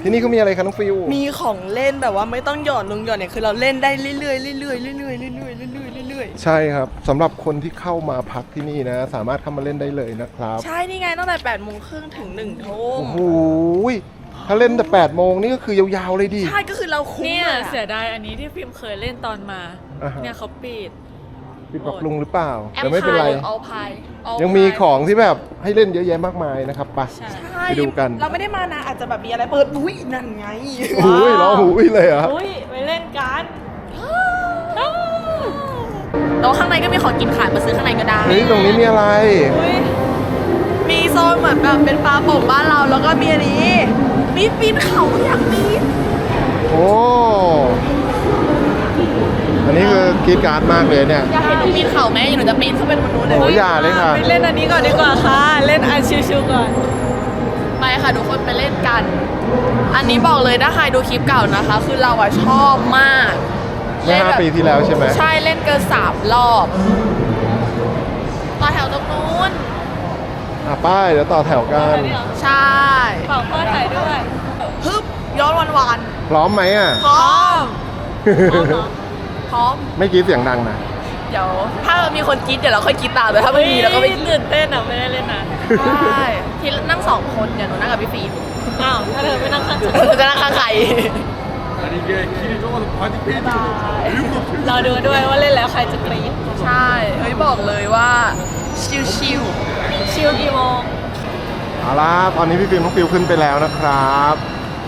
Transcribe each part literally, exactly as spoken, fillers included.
ที่นี่เขามีอะไรคะน้องฟิวมีของเล่นแบบว่าไม่ต้องหยอดลงหยอดเนี่ยคือเราเล่นได้เรื่อยๆเรื่อยๆเรื่อยๆเรื่อยๆเรื่อยๆเรื่อยๆเรื่อยๆใช่ครับสำหรับคนที่เข้ามาพักที่นี่นะสามารถเข้ามาเล่นได้เลยนะครับใช่นี่ไงตั้งแต่แปดโมงครึ่งถึงหนึ่งทุ่มโอ้โหถ้าเล่นแต่แปดโมงนี่ก็คือยาวๆเลยดิใช่ก็คือเราคุ้มเนี่ยเสียดายอันนี้ที่ฟิล์มเคยเล่นตอนมาเนี่ยเขาปิดปิดปรับปรุงหรือเปล่าแต่ไม่เป็นไรยังมีของที่แบบให้เล่นเยอะแยะมากมายนะครับไปไปดูกันเราไม่ได้มานะอาจจะแบบมีอะไรเปิดอุ้ยนั่นไงอุ้ยร้องอุ้ยเลยอ่ะอุ้ยไปเล่นกันแล้วข้างในก็มีของกินขายมาซื้อข้างในก็ได้เฮ้ยตรงนี้มีอะไรมีโซนเหมือนแบบเป็นปลาโป่งบ้านเราแล้วก็มีอันนี้มีปีนเขาอยากปีนโอ้อันนี้คือกรี๊ดการ์ดมากเลยเนี่ยอยากเห็นหนูปีนเขาไหมหนูจะปีนเข้าไปบนนู้นเลยโอ้ยาเลยค่ะไปเล่นอันนี้ก่อนดีกว่าค่ะเล่นอันชิวๆก่อนไปค่ะทุกคนไปเล่นกันอันนี้บอกเลยถ้าใครดูคลิปเก่านะคะคือเราอะชอบมากเมื่อห้าปีที่แล้วใช่ไหมใช่เล่นเกินสามรอบต่อแถวตรงนู้นอ่ะป้ายเดี๋ยวต่อแถวกันใช่ขอพ่อถ่ายด้วยฮึบย้อนวันวานพร้อมไหมอ่ะพร้อมพร้อมไม่กรี๊ดเสียงดังนะเดี๋ยวถ้ามีคนกรี๊ดเดี๋ยวเราค่อยกรี๊ดตามแต่ถ้าไม่มีเราก็ไม่ตื่นเต้นอ่ะไม่ได้เล่นนานใช่ที่นั่งสองคนเดี๋ยวหนูนั่งกับพี่ฟีอ้าวถ้าเธอไม่นั่งข้างฉันจะนั่งข้างใครเราดูด้วยว่าเล่นแล้วใครจะกรี๊ดใช่เฮ้ยบอกเลยว่าชิลชิลชิลกี่โมงเอาล่ะตอนนี้พี่ฟิล์มน้องฟิวขึ้นไปแล้วนะครับ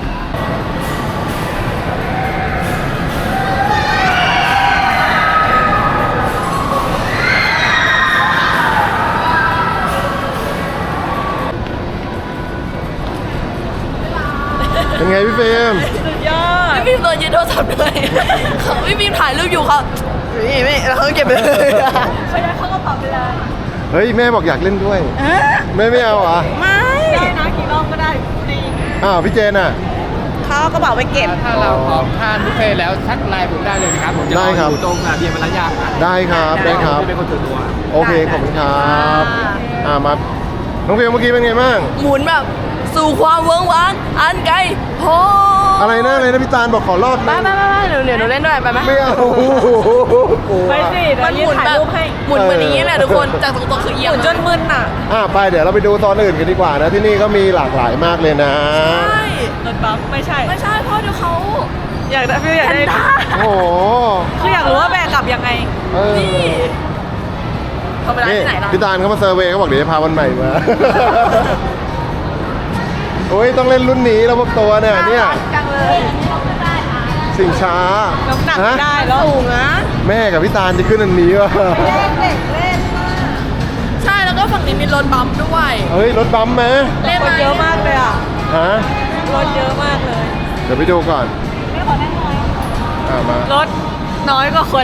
เป็นไงพี่ฟิล์มสุดยอดพี่ฟิล์มโดนยึดโทรศัพท์ด้วยเขาพี่ฟิล์มถ่ายรูปอยู่เขาไม่ไม่แล้วเขาเก็บไปเลยเขาได้เข้ากระเป๋าไปเลยเฮ้ยแม่บอกอยากเล่นด้วยแม่ไม่เอาอ่ะไม่ได้นะกี่รอบก็ได้ฟรีอ้าวพี่เจนอ่ะเขากระเป๋าไปเก็บถ้าเราพร้อมทานบุฟเฟ่แล้วทักไลน์ผมได้เลยนะครับผมจะรออยู่ตรงเบียร์มารยาทได้ครับได้ครับเป็นคนส่วนตัวโอเคขอบคุณครับอ่ามาน้องฟิล์มเมื่อกี้เป็นไงบ้างหมุนแบบสู่ความเวิ้งว้างอันไกลโหอะไรนะอะไรนะพี่ตาลบอกขอรอบไปไปไปเดี๋ยวเดี๋ยวหนูเล่นด้วยไปไหมไม่เอาไปสิมันหมุนแบบหมุนเหมือนนี้แหละทุกคนจากตรงๆคือเอียงจนมึนอ่ะอ่าไปเดี๋ยวเราไปดูตอนอื่นกันดีกว่านะที่นี่ก็มีหลากหลายมากเลยนะใช่รถบัสไม่ใช่ไม่ใช่เพราะเดี๋ยวเขาอยากได้พี่อยากได้โอ้โหคืออยากรู้ว่าแบกกลับยังไงนี่เขาไปร้านที่ไหนล่ะพี่ตาลเขามาเซอร์เวย์เขาบอกเดี๋ยวจะพาวันใหม่มาโอ้ยต้องเล่นรุ่นนี้แล้วพวกตัวเนี่ยเนี่ยจังเลยสิ่งช้าน้ำหนักได้แล้วสูงนะแม่กับพี่ตาลจะขึ้นอันนี้วะเล่นเล่นเล่นใช่แล้วก็ฝั่งนี้มีรถบัมด้วยเฮ้ยรถบัมไหมเล่นเยอะมากเลยอ่ะฮะรถเยอะมากเลยเดี๋ยวไปดูก่อนไม่ขอนั่งน้อยอ่ามารถน้อยกว่าคน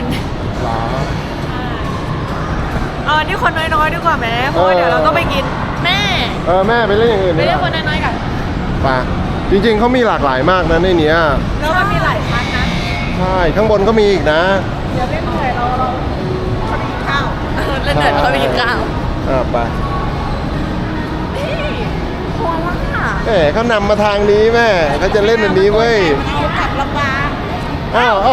เอาอันนี้คนน้อยๆดีกว่าแม่เพราะเดี๋ยวเราต้องไปกินแม่เออแม่ไปเล่นอย่างอื่นไปเล่นคนน้อยๆกันป่ะจริงๆเขามีหลากหลายมากนะในนี้แล้วมันมีหลายชั้นนะใช่ข้างบนก็มีอีกนะเดี๋ยวเล่นเหนื่อยเราเราเขาไปกินข้าวเล่นเหนื่อยเขาไปกินข้าวอ่าไปนี่โคล่าเอ๋เขานำมาทางนี้แม่เขาจะเล่นอันนี้เว้ยเอากลับลำบากอ้าว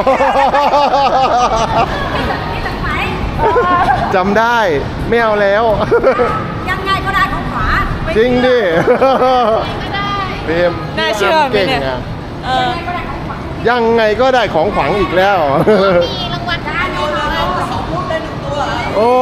จำได้ไม่เอาแล้วยังไงก็ได้ของขวาจริงดิเพมน่าเชื่อเก่งอ่ะยังไงก็ได้ของขวัญอีกแล้วมีรางวัลได้โยนเลยสองลูกได้หนึ่งตัวโอ้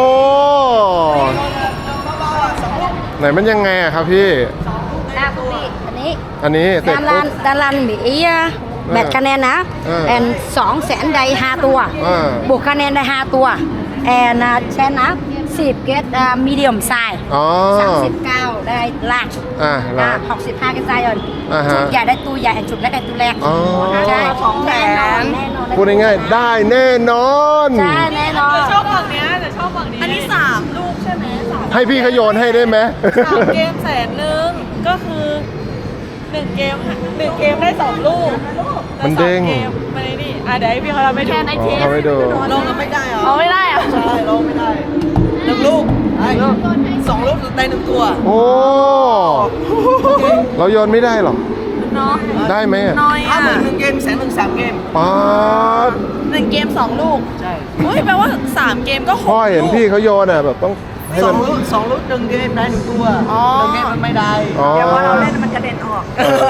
ไหนมันยังไงอะครับพี่ได้พี่อันนี้อันนี้ดารันดารันมีแบตคะแนนนะแอนสองแสนได้ห้าตัวบวกคะแนนได้ห้าตัวแอนแชนนะสิบเกตมีเดียมไซส์สามสิบเก้าได้ลักอ่าหกสิบห้าก็ไซส์อ่อนชุดใหญ่ได้ตัวใหญ่ชุดเล็กได้ตัวเล็กใช่ของแถมพูดง่ายๆได้แน่นอนใช่แน่นอนชอบฝั่งนี้แต่ชอบฝั่งนี้อันนี้สามลูกใช่ไหมให้พี่ขโยนให้ได้ไหมสามเกมแสนหนึ่งก็คือหนึ่งเกมหนึ่งเกมได้สองลูกมันเด้งมันนี่อ่ะเดี๋ยวพี่เขาเราไม่ดูแค่ในเทสลงแล้วไม่ได้เหรอเอาไม่ได้อะใช่ลงไม่ได้หนึ่งลูกสองลูกได้หนึ่งตัวโอ้เราโยนไม่ได้หรอเนาะได้ไหมอะน้อยถ้าอ่ะหมื่นหนึ่งเกมแสนหนึ่งสามเกมป๊าดหนึ่งเกมสองลูกใช่เฮ้ยแปลว่าสามเกมก็หกพ่อเห็นลูกพี่เขาโยนอ่ะแบบต้องให้สอมันงลูกสองลูกหนึ่งเกมได้หนึ่งตัวอ๋อหนึ่งเกมมันไม่ได้อ๋อเดี๋ยวพอเราเล่นมันกระเด็นออกเออ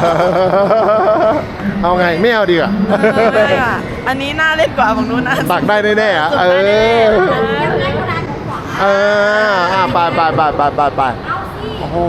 เอาไงไม่เอาดีกว่าไม่อ่ะอันนี้น่าเล่นกว่าฝั่งนู้นนะตักได้แน่ๆอ่ะเออเอออ่ะไปไปไปไปไปไปโอ้โห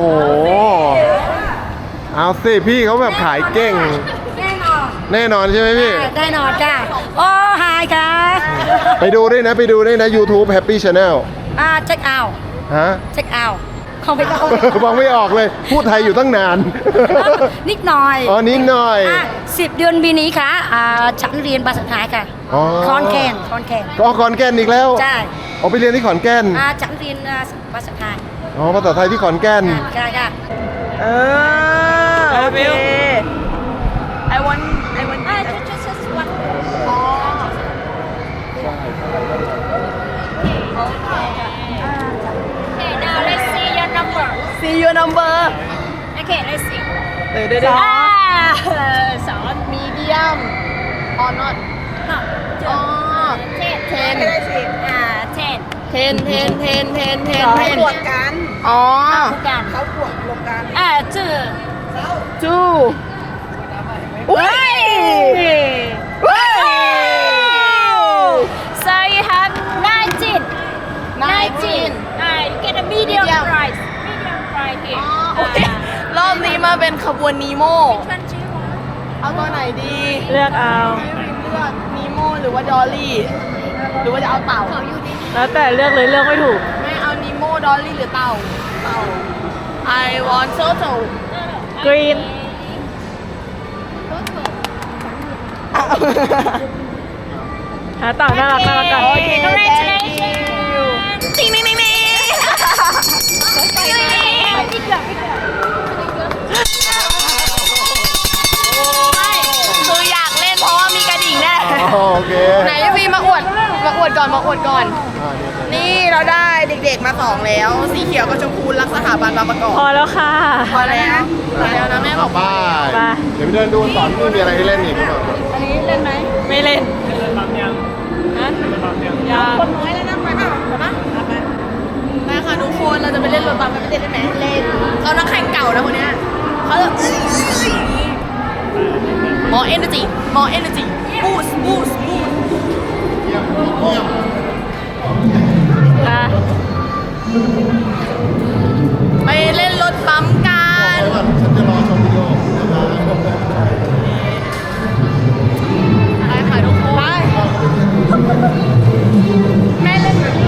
เอาสิพี่เขาแบบขายเก่งแน่นอนแน่นอนใช่ไหมพี่ได้นอนค่ะโอ้หายค่ะไปดูด้วยนะไปดูด้วยนะ YouTube Happy Channel อ่าเช็คเอาท์ฮะเช็คเอาท์ของไปก็ฟังไม่ออกเลย พูดไทยอยู่ตั้งนานนิดหน่อยอ๋อนิดหน่อยอ่ะสิบเดือนปีนี้ค่ะอ่าฉันเรียนภาษาไทยค่ะอ๋อคอนแคนคอนแคนก็ขอนแก่นอีกแล้วใช่เอาไปเรียนที่ขอนแก่นอ่าฉันเรียนอ่าภาษาไทยอ๋อภาษาไทยที่ขอนแก่นค่ะค่ะเออโอเค I want I want อ่า just just just one อ๋อ Okay, now let's see your number. see your number Okay, let's see. เดี๋ยวเดี๋ยวเดี๋ยว Ah, so medium or not? No. อ๋อ Ten. ten Ah, ten. เทนเทนเทนเทนเทนเขาเทนบวกกันอ๋อ Bukan. เขาบวกรวมกัน Ah, two. two อุ้ยเฮ้ย So you have nineteen. nineteen. Ah, you get a medium, Medium. price. Medium price here. อุ๊ย Ah. รอบนี้มาเป็นขบวนนีโม Which one do you want? เอาตัวไหนดีเลือกเอาให้วิมเลือกนีโมหรือว่าดอลลี่ หรือว่าจะเอาเต่าแล้วแต่เลือกเลยเลือกไม่ถูกไม่เอานีโมดอลลี่หรือเต่า เต่า I want turtle green หาเต่าน่ารักน่ารักกันโอเค Congratulations. ติ๊งติ๊งติ๊งติ๊งไม่คืออยากเล่นเพราะว่ามีกระดิ่งแน่อ๋อโอเคไหนพี่มาอวด มาอวดก่อน มาอวดก่อนอ่าเนี่ยนี่เราได้เด็กๆมาสองแล้ว สีเขียวกับชมพูรักสถาบันบางประกอบพอแล้วค่ะพอแล้วพอแล้วนะแม่บอกไปไปเดี๋ยวไปเดินดูก่อนนี่มีอะไรให้เล่นอีกหรือเปล่าอันนี้เล่นไหมไม่เล่นฮะยังคนน้อยแล้วนะไปเปล่าไปปะไปไปค่ะทุกคนเราจะไปเล่นรถบัสกันไปเต้นได้ไหมเล่นเรานักแข่งเก่านะคนเนี้ยเขาจะมอเอเนอร์จีมอเอเนอร์จีบูสบูสบูสอ่ะไปเล่นรถปั๊มกันฉันจะรอชมวิดีโอไปค่ะทุกคนไปแม่เล่นแบบนี้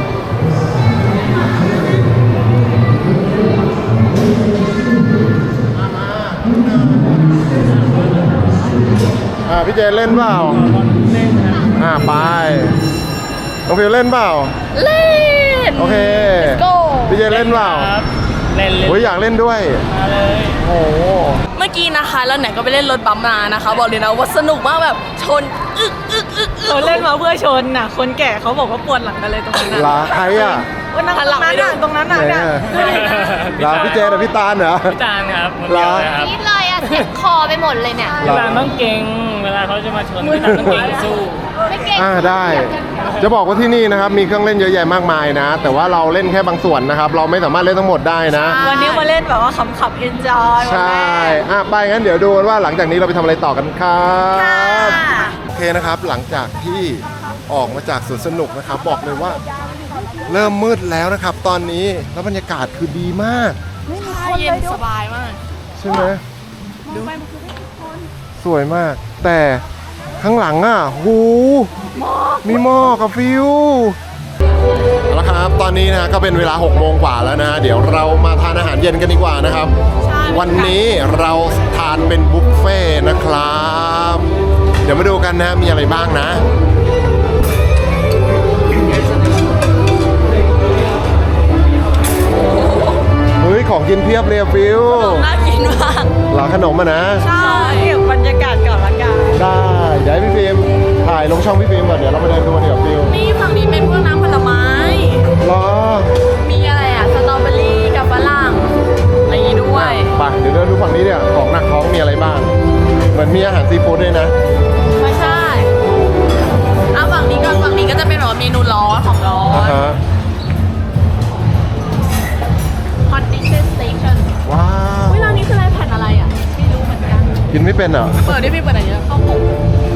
อ่าพี่เจเล่นเปล่าอ่าไปน้องฟิวเล่นเปล่าเล่นโอเค Let's go พี่เจเล่นเปล่าเล่นเล่นโอ้ยอยากเล่นด้วยมาเลยโอ้โหเมื่อกี้นะคะแล้วไหนก็ไปเล่นรถบัมมานะคะ บอกเลยนะว่าสนุกมากแบบชนอึกอึกอึกอึกเขาเล่นมาเพื่อชนน่ะ คนแก่เขาบอกว่าปวดหลังกันเลยตรงนั้นลาน่ะใครอ่ะวันนั้นตรงนั้นน่ะตรงนั้นน่ะไหนเนี่ยอ่ะลาพี่เจกับพี่ตาลเหรอพี่ตาลครับคนเหรเดียอวเลยครับนิดเลยอ่ะเจ็บคอไปหมดเลยเนี่ยพี่ตาลต้องเก่ง เวลาเขาจะมาชนพี่ตาลต้องเก่งสู้ไม่เก่งอ่าได้ จะบอกว่าที่นี่นะครับมีเครื่องเล่นเยอะแยะมากมายนะ แต่ว่าเราเล่นแค่บางส่วนนะครับ เราไม่สามารถเล่นทั้งหมดได้นะวันนี้มาเล่นแบบว่าขำๆ enjoy ใช่อ่ะไปงั้นเดี๋ยวดูกันว่าหลังจากนี้เราไปทำอะไรต่อกันครับโอเคนะครับ หลังจากที่ออกมาจากสวนสนุกนะครับ บอกเลยว่า เริ่มมืดแล้วนะครับ ตอนนี้แล้วบรรยากาศคือดีมากเย็นสบายมากใช่ไหมสวยมาก แต่ข้างหลังอ่ะหูมีหม้อกับฟิวเอาละครับ ตอนนี้นะก็เป็นเวลาหกโมงกว่าแล้วนะ เดี๋ยวเรามาทานอาหารเย็นกันดีกว่านะครับ วันนี้เราทานเป็นบุฟเฟ่ต์นะครับ เดี๋ยวมาดูกันนะมีอะไรบ้างนะ เฮ้ย ของกินเพียบเลยอะฟิวน่ากินมากหลาขนมอะนะใช่เก็บบรรยากาศก่อนละกันได้เดี๋ยวให้พี่ฟิล์มถ่ายลงช่องพี่ฟิล์มก่อนเดี๋ยวเราไปเดินดูกันเดี๋ยวฟิวนี่ฝั่งนี้เป็นพวกน้ำผลไม้รอมีอะไรอ่ะ สตรอเบอรี่กับฝรั่งอะไรอย่างงี้ด้วยไปเดี๋ยวเดินดูฝั่งนี้เนี่ยของหนักท้องมีมือนมีอาหารซีฟู้ดด้วยนะไม่ใช่เอาฝั่งนี้ก็ฝั่งนี้ก็จะเป็นแบบว่าเมนูร้อนของร้ออ่าน ฮะ Hot Dishes Station ว้าวเวลานี้คืออะไรแผ่นอะไรอ่ะไม่รู้เหมือนกันกินไม่เป็นเหรอเปิดได้ไม่เปิดอะไรเยอะข้าวหมก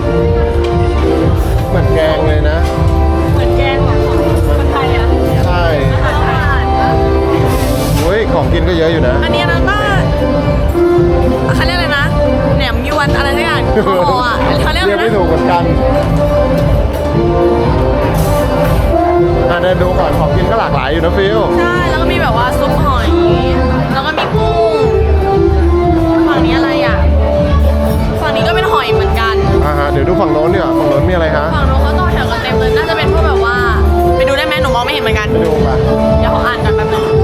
เหมือนแกงเลยนะเหมือนแกงของคนไทยอ่ะใช่อาหารไทยเฮ้ยของกินก็เยอะอยู่นะอันนี้นะก็เขาเรียกอะไรนะแหนมยวนอะไรสักอย่างคออ่ะเขาเรียกเรีอะยกไรไม่นะถูกเหมือนกันอ่ะเดินดูก่อนของกินก็หลากหลายอยู่นะฟิลใช่แล้วก็มีแบบว่าซุปหอย แล้วก็มีกุ้งฝั่งนี้อะไรอ่ะฝั่งนี้ก็เป็นหอยเหมือนกันอ่าฮะเดี๋ยวดูฝั่งโน้นดีกว่าฝั่งโน้นมีอะไรฮะฝั่งโน้นเขาต่อแถวกันเต็มเลยน่าจะเป็นพวกแบบว่าไปดูได้ไหมหนูมองไม่เห็นเหมือนกันไปดูป่ะเดี๋ยวขออ่านกันแป๊บนึง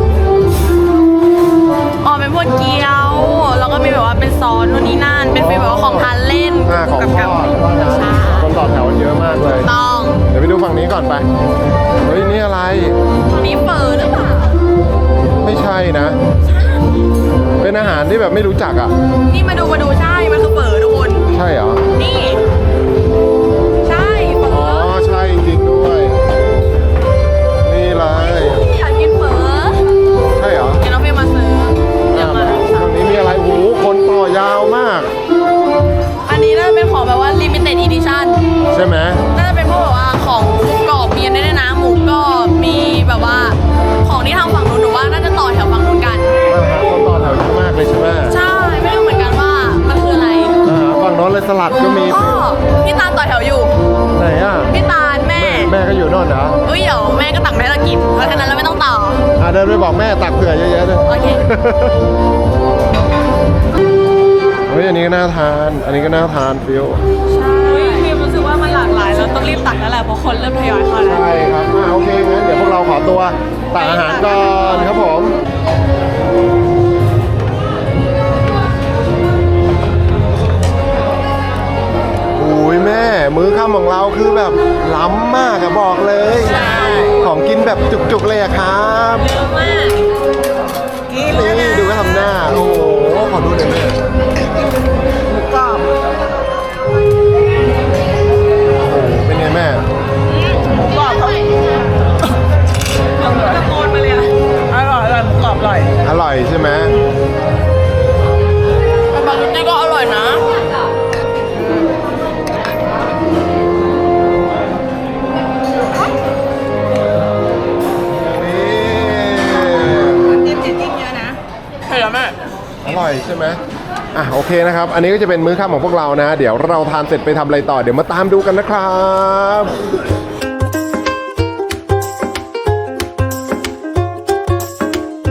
อ๋อเป็นพวกเกี๊ยว แล้วก็มีแบบว่าเป็นซอสนู่นนี่นั่น เป็นฟีลแบบว่าของทานเล่นอ่าของทอดใช่คนต่อแถวเยอะมากเลยต้องเดี๋ยวไปดูฝั่งนี้ก่อนไป เฮ้ยนี่อะไรฝั่งนี้เฟอร์หรือเปล่าไม่ใช่นะ เป็นอาหารที่แบบไม่รู้จักอ่ะนี่มาดูมาดูใช่ มันคือเฟอร์ทุกคนใช่เหรอนี่ ใช่เฟออ๋อร์ใช่จริงๆด้วย นี่เลยอยากกินเฟอร์ใช่เหรอเดี๋ยวน้องเฟย์มาซื้อเดี๋ยวมาฝั่งนี้มีอะไรโอ้โหคนต่อยาวมากอันนี้น่าจะเป็นของแบบว่า limited edition ใช่ไหมน่าจะเป็นพวกแบบว่าของหมูกรอบมีอันนี้ด้วยนะหมูกรอบมีแบบว่าของที่ทางฝั่งนู้นหนูว่าน่าจะต่อแถวฝั่งนู้นกันอ่าฮะคนต่อแถวเยอะมากเลยใช่ไหมใช่ไม่รู้เหมือนกันว่ามันคืออะไรอ่าฮะฝั่งโน้นเลยสลัดก็มีอ๋อพี่ตาลต่อแถวอยู่ไหนอ่ะพี่ตาลแม่แม่ก็อยู่โน่นเหรอเอ้ยเดี๋ยวแม่ก็ตักแม่เรากินเพราะฉะนั้นเราไม่ต้องต่ออ่าเดินไปบอกแม่ตักเผื่อเยอะๆเลยโอเคเฮ้ยอันนี้ก็น่าทาน อันนี้ก็น่าทานฟิวอุ้ยพิมรู้สึกว่ามันหลากหลายแล้วต้องรีบตักแล้วแหละเพราะคนเริ่มทยอยเข้าแล้วใช่ครับอ่าโอเคงั้นเดี๋ยวพวกเราขอตัวตักอาหารก่อนครับผมอุ้ยแม่มื้อค่ำของเราคือแบบล้ำมากอะบอกเลยใช่ของกินแบบจุกๆเลยอะครับเยอะมากนี่ดูก็ทำหน้า โอ้โหขอดูหน่อยแม่หมูกรอบโอ้โหเป็นไงแม่กรอบเขาตะโกนมาเลยอะอร่อยอร่อยหมูกรอบอร่อยอร่อยใช่ไหมแต่บางทีก็อร่อยนะนี่จิ้มจิ้มเยอะนะเห็นแล้วแม่อร่อยใช่ไหมอ่ะโอเคนะครับ อันนี้ก็จะเป็นมื้อค่ำของพวกเรานะ เดี๋ยวเราทานเสร็จไปทำอะไรต่อ เดี๋ยวมาตามดูกันนะครับ